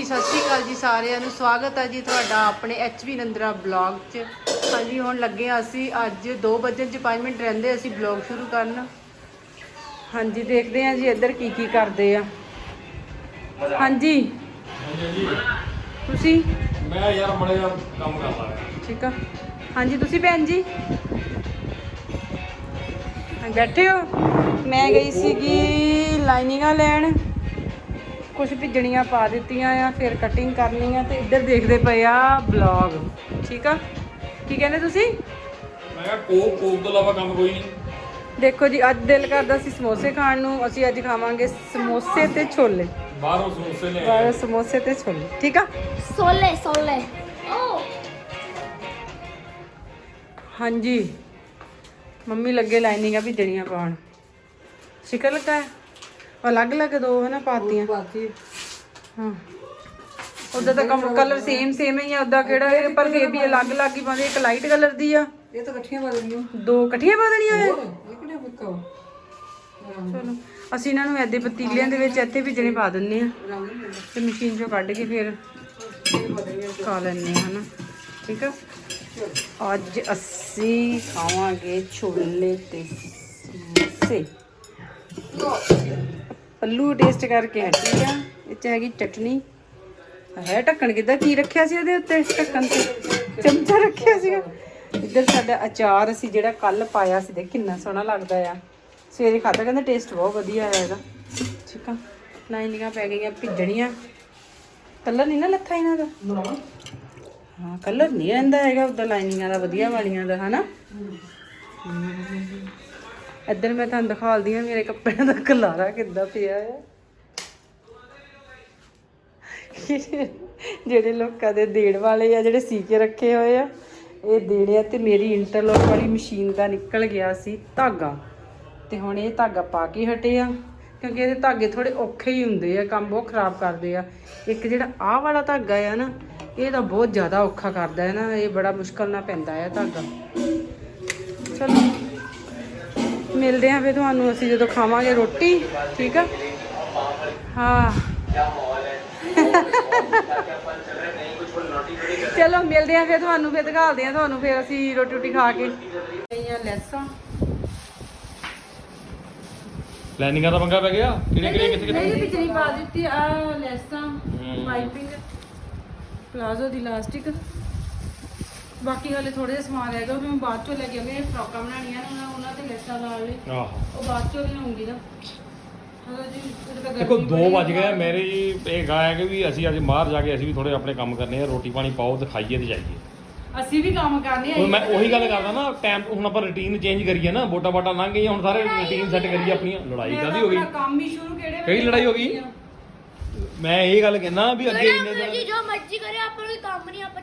ਸਤਿ ਸ਼੍ਰੀ ਅਕਾਲ ਜੀ ਸਾਰਿਆਂ ਨੂੰ। ਸਵਾਗਤ ਹੈ ਜੀ ਤੁਹਾਡਾ ਆਪਣੇ HB ਨੰਦਰਾ ਬਲੌਗ 'ਚ। ਹਾਂਜੀ ਹੁਣ ਲੱਗੇ ਹਾਂ ਅਸੀਂ ਅੱਜ 2 ਵਜੇ 'ਚ 5 ਮਿੰਟ ਰਹਿੰਦੇ ਅਸੀਂ ਬਲੌਗ ਸ਼ੁਰੂ ਕਰਨ। ਹਾਂਜੀ ਦੇਖਦੇ ਹਾਂ ਜੀ ਇੱਧਰ ਕੀ ਕਰਦੇ ਆ। ਹਾਂਜੀ ਤੁਸੀਂ? ਮੈਂ ਯਾਰ ਮੜੇ ਦਾ ਕੰਮ ਕਰਦਾ ਰਿਹਾ। ਠੀਕ ਆ। ਹਾਂਜੀ ਤੁਸੀਂ ਭੈਣ ਜੀ ਬੈਠੇ ਹੋ? ਮੈਂ ਗਈ ਸੀਗੀ ਲਾਈਨਿੰਗਾਂ ਲੈਣ, ਕੁਛ ਭਿੱਜਣੀਆਂ ਪਾ ਦਿੱਤੀਆਂ ਆ, ਫਿਰ ਕਟਿੰਗ ਕਰਨੀ ਆ। ਤੇ ਇੱਧਰ ਦੇਖਦੇ ਪਏ ਆ ਬਲੌਗ। ਠੀਕ ਆ, ਕੀ ਕਹਿੰਦੇ ਤੁਸੀਂ? ਮੈਂ ਕਿਹਾ ਕੋਕ ਤੋਂ ਇਲਾਵਾ ਕੰਮ ਕੋਈ ਨਹੀਂ। ਦੇਖੋ ਜੀ ਅੱਜ ਦਿਲ ਕਰਦਾ ਸੀ ਸਮੋਸੇ ਖਾਣ ਨੂੰ। ਅਸੀਂ ਅੱਜ ਖਾਵਾਂਗੇ ਸਮੋਸੇ ਤੇ ਛੋਲੇ। ਬਾਹਰੋਂ ਸਮੋਸੇ ਲੈ ਬਾਹਰੋਂ ਸਮੋਸੇ ਤੇ ਛੋਲੇ। ਠੀਕ ਆ। ਸੋਲੇ ਹਾਂਜੀ ਮੰਮੀ ਲੱਗੇ ਲਾਈਨਿੰਗਾਂ ਭਿੱਜਣੀਆਂ ਪਾਉਣ। ਸ਼ਿਕਰ ਲੱਗਾ ਹੈ ਅਲੱਗ ਦੋ ਹੈ ਨਾ ਪਾਤੀਆਂ। ਹਾਂ ਉਦਾਂ ਤਾਂ ਕਲਰ ਸੇਮ ਹੀ ਆ। ਉਦਾਂ ਕਿਹੜਾ ਹੈ, ਪਰ ਫੇਰ ਵੀ ਅਲੱਗ ਹੀ ਪਾਉਂਦੇ। ਇੱਕ ਲਾਈਟ ਕਲਰ ਦੀ ਆ, ਇਹ ਤਾਂ ਇਕੱਠੀਆਂ ਪਾ ਦੇਣੀਆਂ। 2 ਇਕੱਠੀਆਂ ਪਾ ਦੇਣੀਆਂ ਆ। ਇਹ ਕਿਹੜਾ ਫਿੱਕਾ ਚਲੋ ਅਸੀਂ ਇਹਨਾਂ ਨੂੰ ਐਦੇ ਪਤੀਲਿਆਂ ਦੇ ਵਿੱਚ ਇੱਥੇ ਭਿੱਜਣੇ ਪਾ ਦਿੰਦੇ ਆ ਤੇ ਮਸ਼ੀਨ ਚੋਂ ਕੱਢ ਕੇ ਫਿਰ ਖਾ ਲੈਂਦੇ ਆ ਹਨਾ। ਠੀਕ ਆ। ਅੱਜ ਅਸੀਂ ਖਾਵਾਂਗੇ ਛੋਲੇ ਤੇ ਸਮੋਸੇ। ਪੱਲੂ ਟੇਸਟ ਕਰਕੇ ਹਟੀ ਆ। ਇਹ 'ਚ ਹੈਗੀ ਚਟਨੀ। ਹੈ ਢੱਕਣ ਕਿੱਦਾਂ ਕੀ ਰੱਖਿਆ ਸੀ ਉਹਦੇ ਉੱਤੇ? ਢੱਕਣ ਤੇ ਚਮਚਾ ਰੱਖਿਆ ਸੀਗਾ। ਇੱਧਰ ਸਾਡਾ ਅਚਾਰ ਅਸੀਂ ਜਿਹੜਾ ਕੱਲ ਪਾਇਆ ਸੀ, ਦੇਖ ਕਿੰਨਾ ਸੋਹਣਾ ਲੱਗਦਾ ਆ। ਸਵੇਰੇ ਖਾਧਾ, ਕਹਿੰਦਾ ਟੇਸਟ ਬਹੁਤ ਵਧੀਆ ਆਇਆ ਇਹਦਾ। ਠੀਕ ਆ। ਲਾਈਨਿੰਗਾਂ ਪੈ ਗਈਆਂ ਭਿੱਜਣੀਆਂ। ਕਲਰ ਨਹੀਂ ਨਾ ਲੱਥਾ ਇਹਨਾਂ ਦਾ। ਹਾਂ ਕਲਰ ਨਹੀਂ ਰਹਿੰਦਾ ਹੈਗਾ ਉੱਦਾਂ ਲਾਈਨਿੰਗਾਂ ਦਾ, ਵਧੀਆ ਵਾਲੀਆਂ ਦਾ ਹਨਾ। ਇੱਧਰ ਮੈਂ ਤੁਹਾਨੂੰ ਦਿਖਾਲਦੀ ਹਾਂ ਮੇਰੇ ਕੱਪੜਿਆਂ ਦਾ ਖਲਾਰਾ ਕਿੱਦਾਂ ਪਿਆ ਆ। ਜਿਹੜੇ ਲੋਕਾਂ ਦੇ ਦੇਣ ਵਾਲੇ ਆ, ਜਿਹੜੇ ਸੀ ਕੇ ਰੱਖੇ ਹੋਏ ਆ, ਇਹ ਦੇਣੇ ਆ। ਤੇ ਮੇਰੀ ਇੰਟਰਲੋਕ ਵਾਲੀ ਮਸ਼ੀਨ ਦਾ ਨਿਕਲ ਗਿਆ ਸੀ ਧਾਗਾ, ਤੇ ਹੁਣ ਇਹ ਧਾਗਾ ਪਾ ਕੇ ਹਟੇ ਆ ਕਿਉਂਕਿ ਇਹਦੇ ਧਾਗੇ ਥੋੜੇ ਔਖੇ ਹੀ ਹੁੰਦੇ ਆ, ਕੰਮ ਬਹੁਤ ਖਰਾਬ ਕਰਦੇ ਆ। ਇੱਕ ਜਿਹੜਾ ਆਹ ਵਾਲਾ ਧਾਗਾ ਆ ਨਾ, ਇਹ ਤਾਂ ਬਹੁਤ ਜ਼ਿਆਦਾ ਔਖਾ ਕਰਦਾ ਹੈ ਨਾ। ਇਹ ਬੜਾ ਮੁਸ਼ਕਲ ਨਾਲ ਪੈਂਦਾ ਆ ਧਾਗਾ। ਚਲੋ ਮਿਲਦੇ ਆ ਫਿਰ ਤੁਹਾਨੂੰ ਅਸੀਂ ਜਦੋਂ ਖਾਵਾਂਗੇ ਰੋਟੀ। ਠੀਕ ਆ। ਹਾਂ ਚਲੋ ਮਿਲਦੇ ਆ ਫਿਰ ਤੁਹਾਨੂੰ, ਫਿਰ ਦਿਖਾਉਂਦੇ ਆ ਤੁਹਾਨੂੰ ਫਿਰ ਅਸੀਂ ਰੋਟੀ ਖਾ ਕੇ। ਲੈਸਾਂ ਲਾਈਨਿੰਗਾਂ ਦਾ ਪੰਗਾ ਪੈ ਗਿਆ। ਕਿਹੜੇ ਨਹੀਂ ਪਿਛਲੀ ਪਾ ਦਿੱਤੀ ਆ ਲੈਸਾਂ, ਪਾਈਪਿੰਗ, ਪਲਾਜ਼ੋ ਦੀ ਇਲਾਸਟਿਕ। ਬਾਕੀ ਹਾਲੇ ਥੋੜੇ ਜਿਹਾ ਸਮਾਨ ਰਹਿ ਗਿਆ, ਉਹ ਮੈਂ ਬਾਅਦ ਚੋਂ ਲੈ ਕੇ ਆਉਂਦੇ। ਫਰਾਕਾਂ ਬਣਾਉਣੀਆਂ ਨੇ ਉਹਨਾਂ ਤੇ ਲੈਸਾਂ ਲਾ ਲਈ। ਉਹ ਬਾਅਦ ਚੋਂ ਲਿਆਉਂਗੀ ਨਾ। ਦੇਖੋ 2 ਵੱਜ ਗਏ ਮੇਰੇ ਜੀ। ਇਹ ਗਾਇਆ ਕਿ ਵੀ ਅਸੀਂ ਅੱਜ ਬਾਹਰ ਜਾ ਕੇ ਅਸੀਂ ਵੀ ਥੋੜੇ ਆਪਣੇ ਕੰਮ ਕਰਨੇ ਆ। ਰੋਟੀ ਪਾਣੀ ਪਾਓ ਤੇ ਖਾਈਏ ਤੇ ਜਾਈਏ। ਅਸੀਂ ਵੀ ਕੰਮ ਕਰਨੇ ਆ। ਹੁਣ ਮੈਂ ਉਹੀ ਗੱਲ ਕਰਦਾ ਨਾ, ਟਾਈਮ ਹੁਣ ਆਪਾਂ ਰੁਟੀਨ ਚੇਂਜ ਕਰੀਏ ਨਾ। ਵੋਟਾਂ ਲੰਘ ਗਈਆਂ, ਹੁਣ ਸਾਰੇ ਰੁਟੀਨ ਸੈੱਟ ਕਰੀਏ ਆਪਣੀਆਂ। ਲੜਾਈ ਕਾਹਦੀ ਹੋ ਗਈ? ਕੰਮ ਹੀ ਸ਼ੁਰੂ ਕਿਹੜੀ ਲੜਾਈ ਹੋ ਗਈ? ਮੈਂ ਇਹ ਗੱਲ ਕਹਿੰਦਾ ਵੀ ਅੱਗੇ ਇੰਨੇ ਦਿਨ ਜੋ ਮਰਜ਼ੀ ਕਰੇ, ਆਪਾਂ ਨੂੰ ਕੰਮ ਨਹੀਂ, ਆਪਾਂ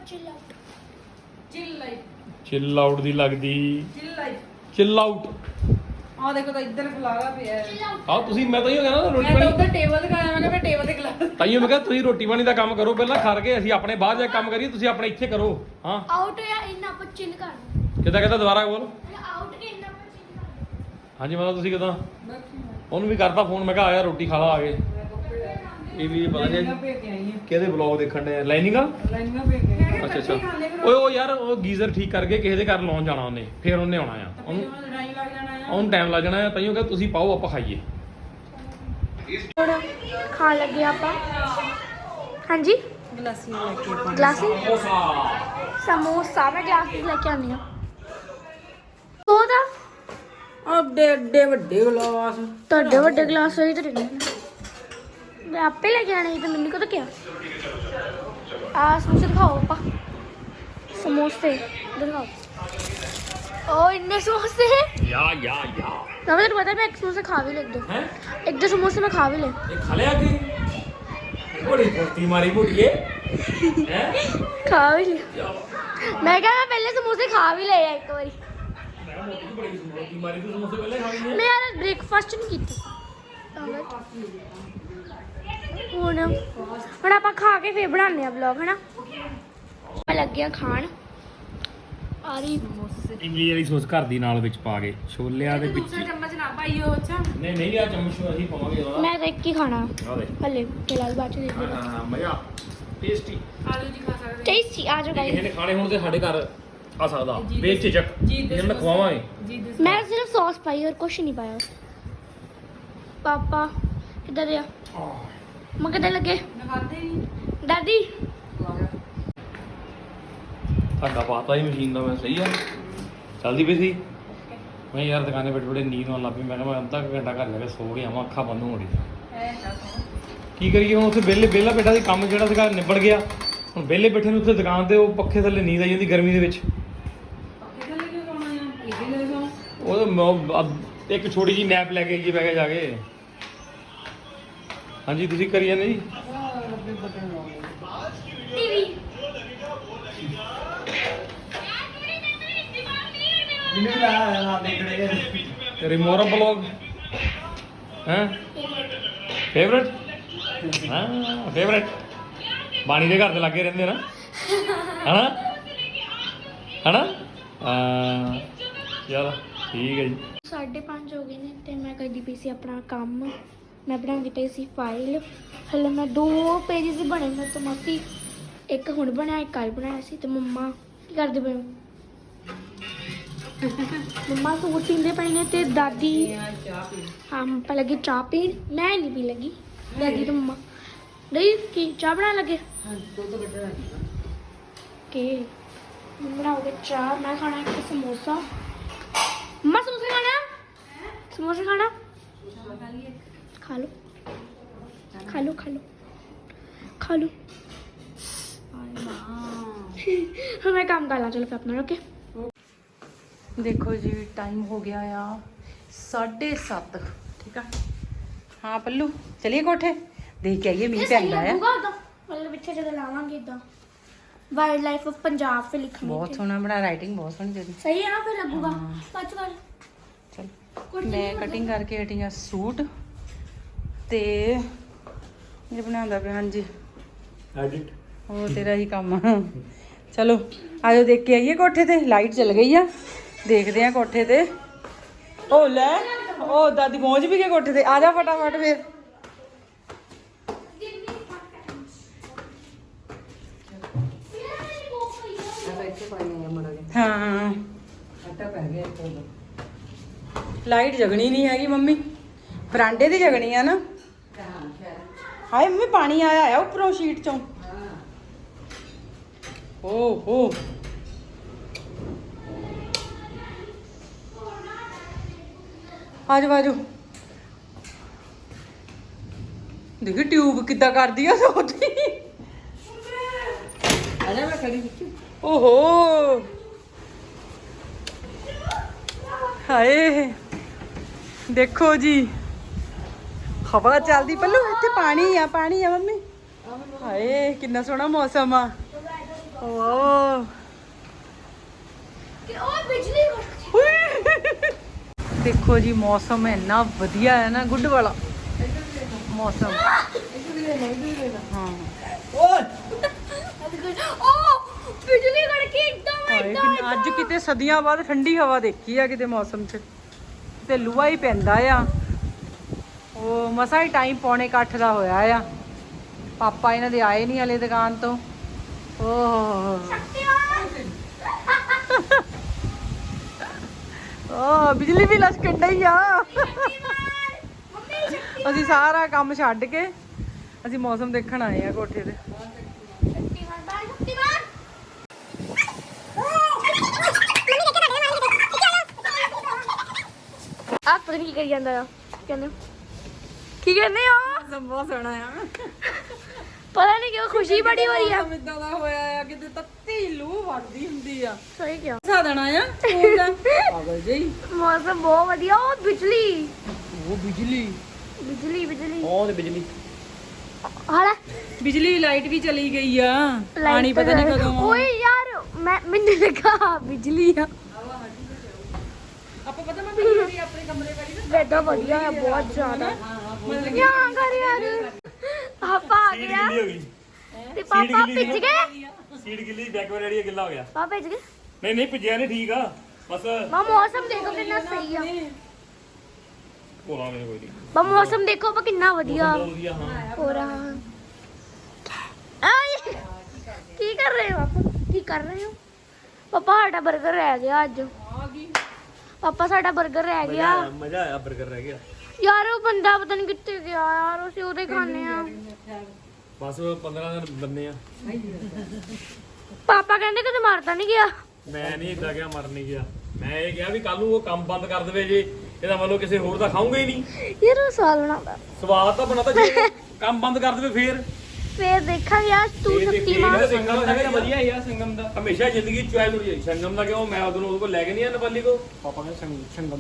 ਚਿੱਲ ਆਊਟ ਦੀ ਲੱਗਦੀ। Chill out. ਆਹ ਦੇਖੋ ਤਾਂ ਇੱਧਰ ਖਲਾਰਾ ਪਿਆ ਹੈ। ਆਹ ਤੁਸੀਂ, ਮੈਂ ਤਾਂ ਇਹ ਕਹਿੰਦਾ ਰੋਟੀ ਮੈਂ ਤਾਂ ਪਾਣੀ ਉੱਧਰ ਟੇਬਲ ਤੇ ਖਾਇਆ, ਮੈਂ ਟੇਬਲ ਤੇ ਖਲਾਰਾ। ਤਾਈਓ ਮੈਂ ਕਿਹਾ ਤੁਸੀਂ ਰੋਟੀ ਪਾਣੀ ਦਾ ਕੰਮ ਕਰੋ ਪਹਿਲਾਂ, ਖਾ ਕੇ ਅਸੀਂ ਆਪਣੇ ਬਾਹਰ ਜਾ ਕੇ ਕੰਮ ਕਰੀਏ। ਤੁਸੀਂ ਆਪਣੇ ਇੱਥੇ ਕਰੋ। ਹਾਂ ਆਊਟ ਜਾਂ ਇਨ ਆਪਾਂ ਚਿੱਲ ਕਰ। ਕਿੱਦਾਂ ਦੁਬਾਰਾ ਬੋਲ। ਆਊਟ ਕੇ ਇਨ ਆਪਾਂ ਚਿੱਲ ਕਰ। ਹਾਂਜੀ ਮਤਲਬ ਤੁਸੀਂ ਕਿੱਦਾਂ? ਉਹਨੂੰ ਵੀ ਕਰਤਾ ਫੋਨ, ਮੈਂ ਕਿਹਾ ਆ ਯਾਰ ਰੋਟੀ ਖਾ ਲਾ ਆ ਕੇ। ਇਹ ਵੀ ਪਤਾ ਨਹੀਂ ਕਿਹਦੇ ਵਲੌਗ ਦੇਖਣ ਦੇ। ਲਾਈਨਿੰਗਾਂ ਅੱਛਾ ਓਏ ਉਹ ਯਾਰ ਉਹ ਗੀਜ਼ਰ ਠੀਕ ਕਰਕੇ ਕਿਸੇ ਦੇ ਘਰ ਲਾਉਣ ਜਾਣਾ ਉਹਨੇ, ਫਿਰ ਉਹਨੇ ਆਉਣਾ ਆ। ਉਹਨੂੰ ਟਾਈਮ ਲੱਗ ਜਾਣਾ ਆ। ਤਾਈਓ ਕਿ ਤੁਸੀਂ ਪਾਓ ਆਪਾਂ ਖਾਈਏ। ਖਾਣ ਲੱਗੇ ਆਪਾਂ। ਹਾਂਜੀ ਗਲਾਸੀਆਂ ਲੈ ਕੇ ਗਲਾਸੀ ਸਮੋਸਾ। ਮੈਂ ਗਲਾਸੀ ਲੈ ਕੇ ਆਨੀ ਆ। ਉਹਦਾ ਅੱਡੇ ਵੱਡੇ ਗਲਾਸ। ਤੁਹਾਡੇ ਵੱਡੇ ਗਲਾਸ ਹੋਈ ਤੇ ਮੈਂ ਆਪੇ ਲੈ ਕੇ ਆਣੇ ਸੀ, ਤੇ ਮੈਨੂੰ ਕਦੋਂ ਕਿਹਾ? ਆ ਸਮੋਸੇ ਦਿਖਾਓ ਆਪਾਂ। ਸਮੋਸੇ ਦਿਖਾਓ। ਓ ਇੰਨੇ ਸਮੋਸੇ ਯਾ ਨਾ। ਮੈਨੂੰ ਪਤਾ, ਮੈਂ ਇੱਕ ਸਮੋਸਾ ਖਾ ਵੀ ਲੈ। ਇੱਕ ਦੋ ਸਮੋਸੇ ਮੈਂ ਖਾ ਵੀ ਲੈ। ਇਹ ਖਾ ਲਿਆ ਕਿ ਬੜੀ ਫੁਰਤੀ ਮਾਰੀ ਮੁੜੀਏ ਹੈ। ਖਾ ਵੀ ਲੈ। ਮੈਂ ਕਿਹਾ ਮੈਂ ਪਹਿਲੇ ਸਮੋਸੇ ਖਾ ਵੀ ਲਏ ਆ ਇੱਕ ਵਾਰੀ। ਮੈਂ ਮੋਟੀ ਬੜੀ ਫੁਰਤੀ ਮਾਰੀ। ਤੂੰ ਸਮੋਸੇ ਪਹਿਲੇ ਖਾ ਗਈ? ਮੈਂ ਯਾਰ ਬ੍ਰੇਕਫਾਸਟ ਨਹੀਂ ਕੀਤੀ। ਹੁਣ ਆਪਾਂ ਖਾ ਕੇ ਫੇਰ ਬਣਾਉਂਦੇ ਆ ਵਲੌਗ, ਹਨਾ। ਮੈਂ ਲੱਗਿਆ ਖਾਣ ਆ ਰਹੀ ਇਮਲੀ ਵਾਲੀ ਸੌਸ ਘਰ ਦੀ ਨਾਲ ਵਿੱਚ ਪਾ ਕੇ ਛੋਲਿਆਂ ਦੇ ਵਿੱਚ। ਦੂਸਰਾ ਚਮਚ ਨਾ ਪਾਈਓ। ਅੱਛਾ ਨਹੀਂ ਆ ਚਮਚ ਅਸੀਂ ਪਾਵਾਂਗੇ ਉਹਦਾ। ਮੈਂ ਤਾਂ ਇੱਕ ਹੀ ਖਾਣਾ ਆ ਦੇ। ਹਲੇ ਫਿਲਹਾਲ ਬਾਅਦ ਚ ਦੇਖਦੇ ਹਾਂ ਮਜ਼ਾ। ਟੇਸਟੀ ਟੇਸਟੀ ਆ ਜਾਓ ਕਿਸੇ ਗਾਇਸ। ਨੇ ਖਾਣੇ ਹੁਣ ਤੇ ਸਾਡੇ ਘਰ ਆ ਸਕਦਾ ਬੇਝਿਜਕ ਜਿਹਨੂੰ ਖਵਾਵਾਂਗੇ ਮੈਂ ਸਿਰਫ ਸੌਸ ਪਾਈ और कुछ नहीं पाया। पापा इधर आ मैं किधर लगे दादी ਧਾਗਾ ਪਾਤਾ ਹੀ ਮਸ਼ੀਨ ਦਾ ਮੈਂ ਸਹੀ ਆ ਚੱਲਦੀ ਪਈ ਸੀ ਮੈਂ ਯਾਰ ਦੁਕਾਨੇ ਬੈਠੇ ਬੜੇ ਨੀਂਦ ਆਉਣ ਲੱਗ ਪਈ ਮੈਂ ਕਿਹਾ ਮੈਂ ਅੱਧਾ ਕੁ ਘੰਟਾ ਘਰ ਜਾ ਕੇ ਸੋ ਗਿਆ ਆਵਾਂ ਅੱਖਾਂ ਬੰਦ ਹੋ ਰਹੀਆਂ ਕੀ ਕਰੀਏ ਹੁਣ ਉੱਥੇ ਵਿਹਲਾ ਬੈਠਾ ਸੀ ਕੰਮ ਜਿਹੜਾ ਸੀਗਾ ਨਿਬੜ ਗਿਆ ਹੁਣ ਵਿਹਲੇ ਬੈਠੇ ਨੂੰ ਉੱਥੇ ਦੁਕਾਨ ਤੇ ਉਹ ਪੱਖੇ ਥੱਲੇ ਨੀਂਦ ਆਈ ਜਾਂਦੀ ਗਰਮੀ ਦੇ ਵਿੱਚ ਉਹ ਇੱਕ ਛੋਟੀ ਜੀ ਨੈਪ ਲੈ ਕੇ ਜੀ ਬਹਿ ਕੇ ਜਾ ਕੇ ਹਾਂਜੀ ਤੁਸੀਂ ਕਰੀ ਜਾਂਦੇ ਜੀ टीवी ਰਿਮੋਰਾ ਬਲੌਗ ਹੈ ਫੇਵਰਟ ਹਾਂ ਫੇਵਰਟ ਬਾਣੀ ਦੇ ਘਰ ਦੇ ਲੱਗੇ ਰਹਿੰਦੇ ਨਾ ਹਨਾ ਹਨਾ ਚਲ ਠੀਕ ਹੈ ਜੀ 5:30 ਹੋ ਗਏ ਨੇ ਤੇ ਮੈਂ ਕਰਦੀ ਪਈ ਸੀ ਆਪਣਾ ਕੰਮ। ਮੈਂ ਬਣਾਉਂਦੀ ਪਈ ਸੀ ਫਾਈਲ। ਹਲੇ ਮੈਂ 2 ਪੇਜਸ ਹੀ ਬਣੇ ਮੇਰੇ ਤੋਂ ਮਾਸੀ ਇੱਕ ਹੁਣ ਬਣਾਇਆ ਇੱਕ ਕੱਲ ਬਣਾਇਆ ਸੀ। ਤੇ ਮੰਮਾ ਕੀ ਕਰਦੇ ਪਏ ਹੋ? ਮੰਮਾ ਸੂਟ ਸੀਂਦੇ ਪਏ ਨੇ ਤੇ ਦਾਦੀ ਹਾਂ ਮੰਮਾ ਲੱਗੀ ਚਾਹ ਪੀਣ। ਮੈਂ ਨਹੀਂ ਪੀ ਲੱਗੀ ਦਾਦੀ ਤੇ ਮੰਮਾ ਨਹੀਂ ਕੀ ਚਾਹ ਬਣਾਉਣ ਲੱਗੇ ਕੇ ਬਣਾਓਗੇ ਚਾਹ। ਮੈਂ ਖਾਣਾ ਇੱਕ ਸਮੋਸਾ। ਮੰਮਾ ਸਮੋਸਾ ਖਾਣਾ ਸਮੋਸਾ ਖਾਣਾ खा लो खा लो खा लो खा लो मैं काम कर ला चलो फिर अपना ओके। ਦੇਖੋ ਜੀ ਟਾਈਮ ਹੋ ਗਿਆ ਆ 7:30 ਠੀਕ ਆ। ਹਾਂ ਪੱਲੂ ਚਲੀਏ ਕੋਠੇ ਦੇਖ ਕੇ ਆਈਏ ਮੀਂਹ ਪੈਂਦਾ ਆ मतलब पीछे जगह लावांगे इदा वाइल्ड लाइफ ऑफ पंजाब पे लिखा ਬਹੁਤ ਸੋਹਣਾ ਬਣਾ ਰਾਈਟਿੰਗ ਬਹੁਤ ਸੋਹਣੀ ਤੇਰੀ सही है ना फिर लगूगा पांच बार ਚਲ ਮੈਂ ਕਟਿੰਗ ਕਰਕੇ ਹਟੀ ਆ ਸੂਟ ਤੇ ਇਹ ਬਣਾਉਂਦਾ ਪਿਆ ਹਾਂਜੀ ਐਡਿਟ ਉਹ ਤੇਰਾ ਹੀ ਕੰਮ ਆ। ਚਲੋ ਆਜੋ ਦੇਖ ਕੇ ਆਈਏ ਕੋਠੇ ਤੇ ਲਾਈਟ ਚਲ ਗਈ ਆ ਦੇਖਦੇ ਆ ਕੋਠੇ ਤੇ। ਉਹ ਲੈ ਉਹ ਦਾਦੀ ਪਹੁੰਚ ਵੀ ਗਏ ਕੋਠੇ ਤੇ ਆ ਜਾ ਫਟਾਫਟ ਫੇਰ। ਹਾਂ ਲਾਈਟ ਜਗਣੀ ਨਹੀਂ ਹੈਗੀ ਮੰਮੀ ਬਰਾਂਡੇ ਦੀ ਜਗਣੀ ਆ ਨਾ। ਹਾਏ ਮੰਮੀ ਪਾਣੀ ਆਇਆ ਆ ਉੱਪਰੋਂ ਸ਼ੀਟ ਚੋਂ। ਓਹੋ ਆਜੋ ਆਜੋ ਦੇਖੀ ਟਿਊਬ ਕਿੱਦਾਂ ਕਰਦੀ ਆ ਸੋਤੀ। ਆਜਾ ਮੈਂ ਖੜੀ ਓਹੋ ਹਾਏ ਦੇਖੋ ਜੀ ਹਵਾ ਚੱਲਦੀ ਪੱਲੂ ਇੱਥੇ ਪਾਣੀ ਆ ਮੰਮੀ। ਹਾਏ ਕਿੰਨਾ ਸੋਹਣਾ ਮੌਸਮ ਆ। ਓ बिजली ਦੇਖੋ ਜੀ ਮੌਸਮ ਇੰਨਾ ਵਧੀਆ ਹੈ ਨਾ ਗੁੱਡ ਵਾਲਾ ਮੌਸਮ। ਹਾਂ बिजली कड़की एकदम ਹਾਏ ਕਿੰਨਾ ਅੱਜ ਕਿਤੇ ਸਦੀਆਂ ਬਾਅਦ ਠੰਡੀ ਹਵਾ ਦੇਖੀ ਆ ਕਿਤੇ ਮੌਸਮ 'ਚ ਤੇ ਲੂਆ ਹੀ ਪੈਂਦਾ ਆ। ਉਹ ਮਸਾ ਹੀ ਟਾਈਮ 7:45 ਦਾ ਹੋਇਆ ਆ। ਪਾਪਾ ਇਹਨਾਂ ਦੇ ਆਏ ਨਹੀਂ ਹਲੇ ਦੁਕਾਨ ਤੋਂ। ਓਹ ਓ ਬਿਜਲੀ ਵੀ ਲਸ਼ਕਣ ਡਈ ਆ। ਅਸੀਂ ਸਾਰਾ ਕੰਮ ਛੱਡ ਕੇ ਅਸੀਂ ਮੌਸਮ ਦੇਖਣ ਆਏ ਆ ਕੋਠੇ ਤੇ। आप पता नहीं की करी ਜਾਂਦਾ ਆ ਕਹਿੰਦੇ ਕੀ ਕਹਿੰਦੇ ਹੋ? ਬਹੁਤ ਸੋਹਣਾ ਆ। ਪਤਾ ਨਹੀਂ ਕਿਉਂ ਖੁਸ਼ੀ ਬੜੀ ਹੋ ਰਹੀ ਆ। ਇਦਾਂ ਦਾ ਹੋਇਆ ਆ ਕਿਤੇ ਤੱਤੀ ਲੂ ਵੜਦੀ ਹੁੰਦੀ ਆ। ਸਹੀ ਕਿਹਾ ਸਾ ਦੇਣਾ ਆ ਸਕੂਲ ਦਾ ਪਾਗਲ ਜੀ। ਮੌਸਮ ਬਹੁਤ ਵਧੀਆ। ਉਹ ਬਿਜਲੀ ਉਹ ਬਿਜਲੀ ਉਹ ਤੇ ਬਿਜਲੀ ਹਾਲਾ ਬਿਜਲੀ ਲਾਈਟ ਵੀ ਚਲੀ ਗਈ ਆ। ਪਾਣੀ ਪਤਾ ਨਹੀਂ ਕਦੋਂ ਓਏ ਯਾਰ ਮੈਨੂੰ ਲੱਗਾ ਬਿਜਲੀ ਆ। ਆਪਾਂ ਪਤਾ ਮੈਂ ਬਿਜਲੀ ਆਪਣੇ ਕਮਰੇ ਵਾਲੀ ਨਾ वेदर ਵਧੀਆ ਹੈ ਬਹੁਤ ਜ਼ਿਆਦਾ। ਯਾਰ ਘਰ ਯਾਰ ਪਾਪਾ ਆ ਗਿਆ ਤੇ ਪਾਪਾ ਭਿੱਜ ਗਏ। ਸੀਟ ਗਿੱਲੀ ਬੈਕ ਵਾਲੀ ਜਿਹੜੀ ਗਿੱਲਾ ਹੋ ਗਿਆ। ਪਾਪਾ ਭਿੱਜ ਗਏ। ਨਹੀਂ ਭਿੱਜਿਆ ਨਹੀਂ ਠੀਕ ਆ ਬਸ ਮਾ ਮੌਸਮ ਦੇਖੋ ਕਿੰਨਾ ਸਹੀ ਆ। ਭੋਲਾ ਮੇਰੇ ਕੋਈ ਨਹੀਂ ਬਾ ਮੌਸਮ ਦੇਖੋ ਬਾ ਕਿੰਨਾ ਵਧੀਆ ਵਧੀਆ ਹਾਂ ਹੋ ਰਹਾ ਆਏ ਕਰ ਰਹੇ ਹੋ ਪਾਪਾ? ਕੀ ਕਰ ਰਹੇ ਹੋ ਪਾਪਾ? ਸਾਡਾ 버ਗਰ ਰਹਿ ਗਿਆ ਅੱਜ। ਪਾਪਾ ਸਾਡਾ 버ਗਰ ਰਹਿ ਗਿਆ। ਮਜ਼ਾ ਆਇਆ 버ਗਰ ਰਹਿ ਗਿਆ ਯਾਰ ਉਹ ਬੰਦਾ ਪਤਾ ਨਹੀਂ ਕਿੱਥੇ ਗਿਆ ਯਾਰ, ਅਸੀਂ ਉਹਦੇ ਖਾਣੇ ਆ। ਬਸ 15 ਦਿਨ ਬੰਨੇ ਆ। ਪਾਪਾ ਕਹਿੰਦੇ ਕਿ ਮਾਰਦਾ ਨਹੀਂ ਗਿਆ। ਮੈਂ ਨਹੀਂ ਇਦਾਂ ਗਿਆ, ਮਰ ਨਹੀਂ ਗਿਆ। ਮੈਂ ਇਹ ਕਿਹਾ ਵੀ ਕੱਲ ਨੂੰ ਉਹ ਕੰਮ ਬੰਦ ਕਰ ਦੇਵੇ ਜੇ, ਇਹਦਾ ਮਤਲਬ ਕਿਸੇ ਹੋਰ ਦਾ ਖਾਊਂਗਾ ਹੀ ਨਹੀਂ। ਯਾਰ ਉਹ ਸਵਾਲ ਬਣਾਉਂਦਾ, ਸਵਾਦ ਤਾਂ ਬਣਾਤਾ, ਜੇ ਕੰਮ ਬੰਦ ਕਰ ਦੇਵੇ ਫੇਰ ਦੇਖਾਂਗੇ। ਯਾਰ ਤੂੰ ਸ਼ਕਤੀਮਾਨ ਸੰਗਮ ਦਾ ਹੈਗਾ ਵਧੀਆ ਯਾਰ। ਸੰਗਮ ਦਾ ਹਮੇਸ਼ਾ ਜ਼ਿੰਦਗੀ ਚੁਆਇਸ ਹੋਣੀ ਚਾਹੀਦੀ। ਸੰਗਮ ਦਾ ਕਿਉਂ? ਮੈਂ ਉਹਦੇ ਕੋਲ ਲੈ ਕੇ ਨਹੀਂ ਆ ਨੇਪਾਲੀ ਕੋ। ਪਾਪਾ ਕਹਿੰਦੇ ਸੰਗਮ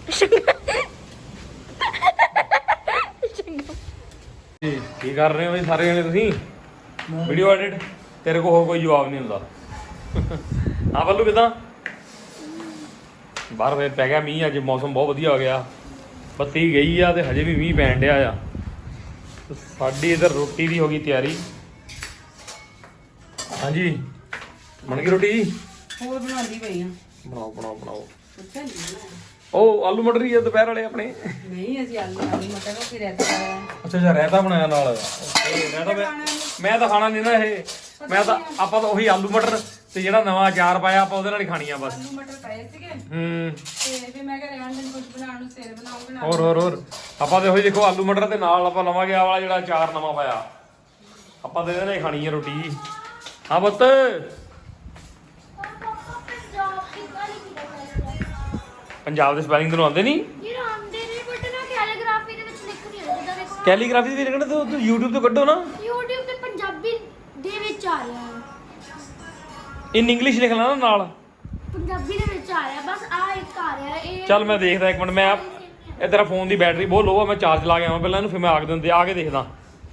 ਕੀ ਕਰ ਰਹੇ ਹੋ ਬਈ ਸਾਰੇ ਜਣੇ ਤੁਸੀਂ? ਵੀਡੀਓ ਐਡਿਟ ਤੇਰੇ ਕੋਲ ਹੋਰ ਕੋਈ ਜਵਾਬ ਨਹੀਂ ਹੁੰਦਾ। ਹਾਂ ਬੱਲੂ ਕਿਦਾਂ? ਬਾਹਰ ਫੇਰ ਪੈ ਗਿਆ ਮੀਂਹ। ਅੱਜ ਮੌਸਮ ਬਹੁਤ ਵਧੀਆ ਹੋ ਗਿਆ, ਬੱਤੀ ਗਈ ਆ ਤੇ ਹਜੇ ਵੀ ਮੀਂਹ ਪੈਣ ਡਿਆ ਆ। ਸਾਡੀ ਇਧਰ ਰੋਟੀ ਦੀ ਹੋ ਗਈ ਤਿਆਰੀ। ਹਾਂਜੀ ਬਣ ਗਈ ਰੋਟੀ ਜੀ? ਹੋਰ ਬਣਾਉਂਦੀ ਪਈ ਆ। ਬਣਾਓ ਬਣਾਓ ਬਣਾਓ। ਅੱਛਾ ਨਹੀਂ ਉਹ ਆਲੂ ਮਟਰ ਹੀ ਆ ਦੁਪਹਿਰ ਵਾਲੇ ਆਪਣੇ। ਨਹੀਂ ਅਸੀਂ ਆਲੂ ਮਟਰ ਨੂੰ ਫਿਰ ਰਹਿਤਾ ਪਾਇਆ। ਅੱਛਾ ਅੱਛਾ ਰਾਇਤਾ ਬਣਾਇਆ ਨਾਲ। ਮੈਂ ਤਾਂ ਖਾਣਾ ਨਹੀਂ ਨਾ ਇਹ। ਮੈਂ ਤਾਂ ਆਪਾਂ ਤਾਂ ਉਹੀ ਆਲੂ ਮਟਰ ਤੇ ਜਿਹੜਾ ਨਵਾਂ ਅਚਾਰ ਪਾਇਆ ਆਪਾਂ ਉਹਦੇ ਨਾਲ ਹੀ ਖਾਣੀ ਆ ਬਸ। ਆਲੂ ਮਟਰ ਪਏ ਸੀਗੇ ਤੇ ਫਿਰ ਮੈਂ ਕਿਹਾ ਰਹਿਣ ਦੇ, ਕੁਝ ਬਣਾਉਣ ਨੂੰ ਸਿਰ ਬਣਾਉਂਗੇ ਨਾ। ਹੋਰ ਆਪਾਂ ਤੇ ਉਹੀ ਦੇਖੋ ਆਲੂ ਮਟਰ ਤੇ ਨਾਲ ਆਪਾਂ ਲਵਾਂਗੇ ਆ ਵਾਲਾ ਜਿਹੜਾ ਅਚਾਰ ਨਵਾਂ ਪਾਇਆ। ਆਪਾਂ ਤੇ ਇਹਦੇ ਨਾਲ ਹੀ ਖਾਣੀ ਆ ਰੋਟੀ। ਹਾਂ ਪੁੱਤ ਪੰਜਾਬ ਦੇ ਸਪੈਲਿੰਗ ਤੈਨੂੰ ਆਉਂਦੇ ਨਹੀਂ? ਯਾਰ ਆਉਂਦੇ ਨੇ ਬਟ ਨਾ ਕੈਲੀਗ੍ਰਾਫੀ ਦੇ ਵਿੱਚ ਲਿਖ ਨਹੀਂ ਹੁੰਦਾ। ਜਿੱਦਾਂ ਦੇਖੋ ਕੈਲੀਗ੍ਰਾਫੀ ਵੀ ਲਿਖਣਾ ਤੂੰ YouTube ਤੋਂ ਕੱਢੋ ਨਾ। YouTube ਤੇ ਪੰਜਾਬੀ ਦੇ ਵਿੱਚ ਆ ਰਿਹਾ ਹੈ, ਇਨ ਇੰਗਲਿਸ਼ ਲਿਖ ਲੈਣਾ ਨਾਲ। ਪੰਜਾਬੀ ਦੇ ਵਿੱਚ ਆ ਰਿਹਾ ਬਸ। ਆ ਇੱਕ ਆ ਰਿਹਾ ਇਹ। ਚੱਲ ਮੈਂ ਦੇਖਦਾ ਇੱਕ ਮਿੰਟ। ਮੈਂ ਇਹ ਤੇਰਾ ਫੋਨ ਦੀ ਬੈਟਰੀ ਬਹੁਤ ਲੋ ਆ। ਮੈਂ ਚਾਰਜ ਲਾ ਕੇ ਆਵਾਂ ਪਹਿਲਾਂ ਇਹਨੂੰ, ਫਿਰ ਮੈਂ ਆ ਕੇ ਦੇਖਦਾ।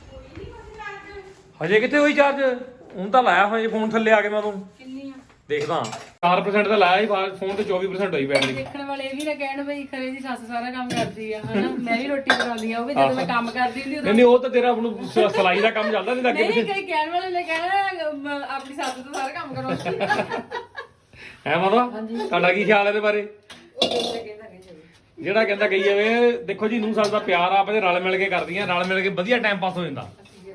ਹਜੇ ਕਿੱਥੇ ਹੋਈ ਚਾਰਜ? ਹੁਣ ਤਾਂ ਲਾਇਆ ਹੋਇਆ ਫੋਨ ਥੱਲੇ ਆ ਕੇ ਮੈਂ ਤੂੰ ਕਿੰਨੀ ਆ ਦੇਖਦਾ। 4% ਤਾਂ ਲਾਇਆ ਸੀ ਫੋਨ ਤੇ, 24% ਹੋਈ ਬੈਟਰੀ। ਦੇਖਣ ਵਾਲੇ ਇਹ ਵੀ ਨਾ ਕਹਿਣ ਬਈ ਖਰੇ ਦੀ ਸੱਸ ਸਾਰਾ ਕੰਮ ਕਰਦੀ ਆ ਹਨਾ। ਮੈਂ ਵੀ ਰੋਟੀ ਬਣਾਉਂਦੀ ਆ, ਉਹ ਵੀ ਜਦੋਂ ਮੈਂ ਕੰਮ ਕਰਦੀ ਹੁੰਦੀ ਨਹੀਂ ਉਹ ਤਾਂ ਤੇਰਾ ਹੁਣ ਸਲਾਈ ਦਾ ਕੰਮ ਚੱਲਦਾ ਨਹੀਂ ਲੱਗੇ ਨਹੀਂ ਕਈ ਕਹਿਣ ਵਾਲੇ ਨੇ ਕਹਿਣਾ ਆਪਣੀ ਸੱਸ ਤੋਂ ਸਾਰਾ ਕੰਮ ਕਰਾਉਂਦੀ ਹੈ ਮਾਤਾ। ਤੁਹਾਡਾ ਕੀ ਖਿਆਲ ਇਹਦੇ ਬਾਰੇ? ਜਿਹੜਾ ਕਹਿੰਦਾ ਕਹੀ ਜਾਵੇ। ਦੇਖੋ ਜੀ, ਨੂੰ ਸੱਸ ਦਾ ਪਿਆਰ ਆ ਆਪਣੇ ਰਲ ਮਿਲ ਕੇ ਕਰਦੀਆਂ, ਰਲ ਮਿਲ ਕੇ ਵਧੀਆ ਟਾਈਮ ਪਾਸ ਹੋ ਜਾਂਦਾ।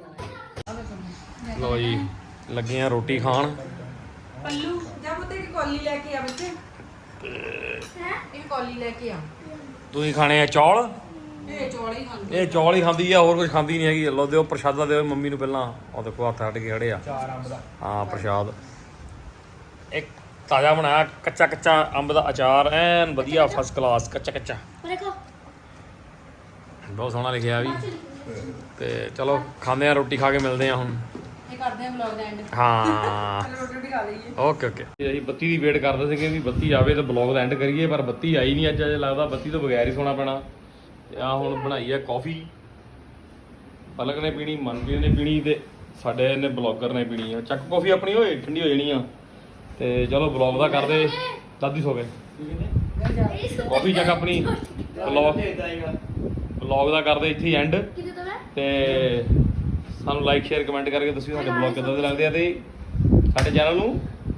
ਲੋ ਜੀ ਲੱਗੇ ਆ ਰੋਟੀ ਖਾਣ। ਪੱਲੂ ਜਾ ਪੁੱਤੇ ਇੱਕ ਕੌਲੀ ਲੈ ਕੇ ਆ ਬੱਚੇ। ਇੱਕ ਕੌਲੀ ਲੈ ਕੇ ਆ। ਤੁਸੀਂ ਖਾਣੇ ਆ ਚੌਲ? ਇਹ ਚੌਲ ਹੀ ਖਾਂਦੇ। ਇਹ ਚੌਲ ਹੀ ਖਾਂਦੀ ਆ, ਹੋਰ ਕੁਝ ਖਾਂਦੀ ਨਹੀਂ ਹੈਗੀ। ਲੋ ਦਿਓ ਪ੍ਰਸ਼ਾਦਾ ਦਿਓ ਮੰਮੀ ਨੂੰ ਪਹਿਲਾਂ। ਉਹ ਦੇਖੋ ਹੱਥ ਹੱਟ ਕੇ ਖੜੇ ਆ। ਹਾਂ ਪ੍ਰਸ਼ਾਦ ਇੱਕ ਤਾਜ਼ਾ ਬਣਾਇਆ ਕੱਚਾ ਅੰਬ ਦਾ ਅਚਾਰ, ਐਨ ਵਧੀਆ ਫਸਟ ਕਲਾਸ ਕੱਚਾ। ਦੇਖੋ ਬਹੁਤ ਸੋਹਣਾ ਲਿਖਿਆ ਵੀ। ਤੇ ਚਲੋ ਖਾਂਦੇ ਆ ਰੋਟੀ, ਖਾ ਕੇ ਮਿਲਦੇ ਆ ਹੁਣ। ਇਹ ਕਰਦੇ ਆ ਵਲੌਗ ਦਾ ਐਂਡ। ਹਾਂ ਰੋਟੀ ਖਾ ਲਈਏ। ਓਕੇ ਅਸੀਂ ਬੱਤੀ ਦੀ ਵੇਟ ਕਰਦੇ ਸੀਗੇ ਵੀ ਬੱਤੀ ਆਵੇ ਤਾਂ ਬਲੌਗ ਦਾ ਐਂਡ ਕਰੀਏ, ਪਰ ਬੱਤੀ ਆਈ ਨਹੀਂ ਅੱਜ ਲੱਗਦਾ ਬੱਤੀ ਤੋਂ ਬਗੈਰ ਹੀ ਸੋਣਾ ਪੈਣਾ। ਤੇ ਆ ਹੁਣ ਬਣਾਈ ਆ ਕਾਫੀ, ਪਲਕ ਨੇ ਪੀਣੀ, ਮਨਪ੍ਰੀਤ ਨੇ ਪੀਣੀ ਤੇ ਸਾਡੇ ਨੇ ਬਲੌਗਰ ਨੇ ਪੀਣੀ ਆ। ਚੱਕ ਕਾਫੀ ਆਪਣੀ ਹੋਏ ਠੰਡੀ ਹੋ ਜਾਣੀ ਆ। ਤੇ ਚਲੋ ਬਲੌਗ ਦਾ ਕਰਦੇ। ਦਾਦੀ ਸੋ ਗਏ। ਕਾਫੀ ਚੱਕ ਆਪਣੀ ਬਲੌਗ ਦਾ ਕਰਦੇ ਇੱਥੇ ਹੀ ਐਂਡ। ਕਿਤੇ ਤਾਂ ਮੈਂ ਤੇ ਸਾਨੂੰ ਲਾਈਕ ਸ਼ੇਅਰ ਕਮੈਂਟ ਕਰਕੇ ਦੱਸਿਓ ਸਾਡੇ ਬਲੌਗ ਕਿੱਦਾਂ ਦੇ ਲੱਗਦੇ ਆ ਤੇ ਸਾਡੇ ਚੈਨਲ ਨੂੰ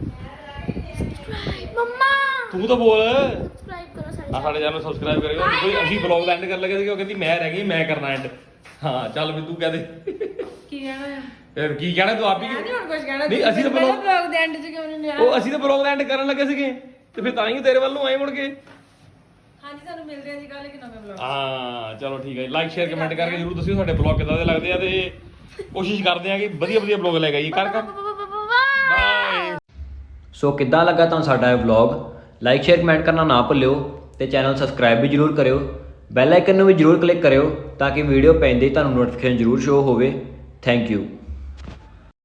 ਮੰਮਾ ਤੂੰ ਤਾਂ ਬੋਲ। ਸਬਸਕ੍ਰਾਈਬ ਕਰੋ ਸਾਡੇ ਚੈਨਲ ਨੂੰ ਸਬਸਕ੍ਰਾਈਬ ਕਰਿਓ। ਦੇਖੋ ਅਸੀਂ ਬਲੌਗ ਦਾ ਐਂਡ ਕਰਨ ਲੱਗੇ ਸੀ, ਉਹ ਕਹਿੰਦੀ ਮੈਂ ਰਹਿ ਗਈ, ਮੈਂ ਕਰਨਾ ਐਂਡ। ਹਾਂ ਚੱਲ ਵੀ ਤੂੰ ਕਹਿ ਦੇ ਕੀ ਕਹਿਣਾ? ਫਿਰ ਕੀ ਕਹਿਣਾ ਤੂੰ ਆਪ ਹੀ? ਨਹੀਂ ਹੁਣ ਕੁਝ ਕਹਿਣਾ। ਨਹੀਂ ਅਸੀਂ ਤਾਂ ਵਲੌਗ ਦੇ ਐਂਡ 'ਚ ਕਿਉਂ ਨਹੀਂ ਲਿਆ? ਉਹ ਅਸੀਂ ਤਾਂ ਬਲੌਗ ਦਾ ਐਂਡ ਕਰਨ ਲੱਗੇ ਸੀਗੇ ਤੇ ਫਿਰ ਤਾਂ ਹੀ ਤੇਰੇ ਵੱਲ ਨੂੰ ਆਏ ਮੁੜ ਕੇ। ਹਾਂਜੀ ਤੁਹਾਨੂੰ ਮਿਲਦੇ ਆ ਜੀ ਕੱਲ ਇੱਕ ਨਵੇਂ ਵਲੌਗ। ਹਾਂ ਚਲੋ ਠੀਕ ਹੈ। ਲਾਈਕ ਸ਼ੇਅਰ ਕਮੈਂਟ ਕਰਕੇ ਜਰੂਰ ਦੱਸਿਓ ਸਾਡੇ ਬਲੌਗ ਕਿੱਦਾਂ ਦੇ ਲੱਗਦੇ ਆ ਤੇ ਕੋਸ਼ਿਸ਼ ਕਰਦੇ ਆ ਕਿ ਵਧੀਆ ਬਲੌਗ ਲੈ ਕੇ ਆਈਏ। ਕਰ ਬਾਏ। ਸੋ ਕਿੱਦਾਂ ਲੱਗਾ ਤੁਹਾਨੂੰ ਸਾਡਾ ਇਹ ਵਲੌਗ? ਲਾਈਕ ਸ਼ੇਅਰ ਕਮੈਂਟ ਕਰਨਾ ਨਾ ਭੁੱਲਿਓ ਤੇ ਚੈਨਲ ਸਬਸਕ੍ਰਾਈਬ ਵੀ ਜਰੂਰ ਕਰਿਓ। ਬੈਲ ਆਈਕਨ ਨੂੰ ਵੀ ਜਰੂਰ ਕਲਿੱਕ ਕਰਿਓ ਤਾਂ ਕਿ ਵੀਡੀਓ ਪੈਂਦੇ ਹੀ ਤੁਹਾਨੂੰ ਨੋਟੀਫਿਕੇਸ਼ਨ ਜਰੂਰ ਸ਼ੋ ਹੋਵੇ। Thank you.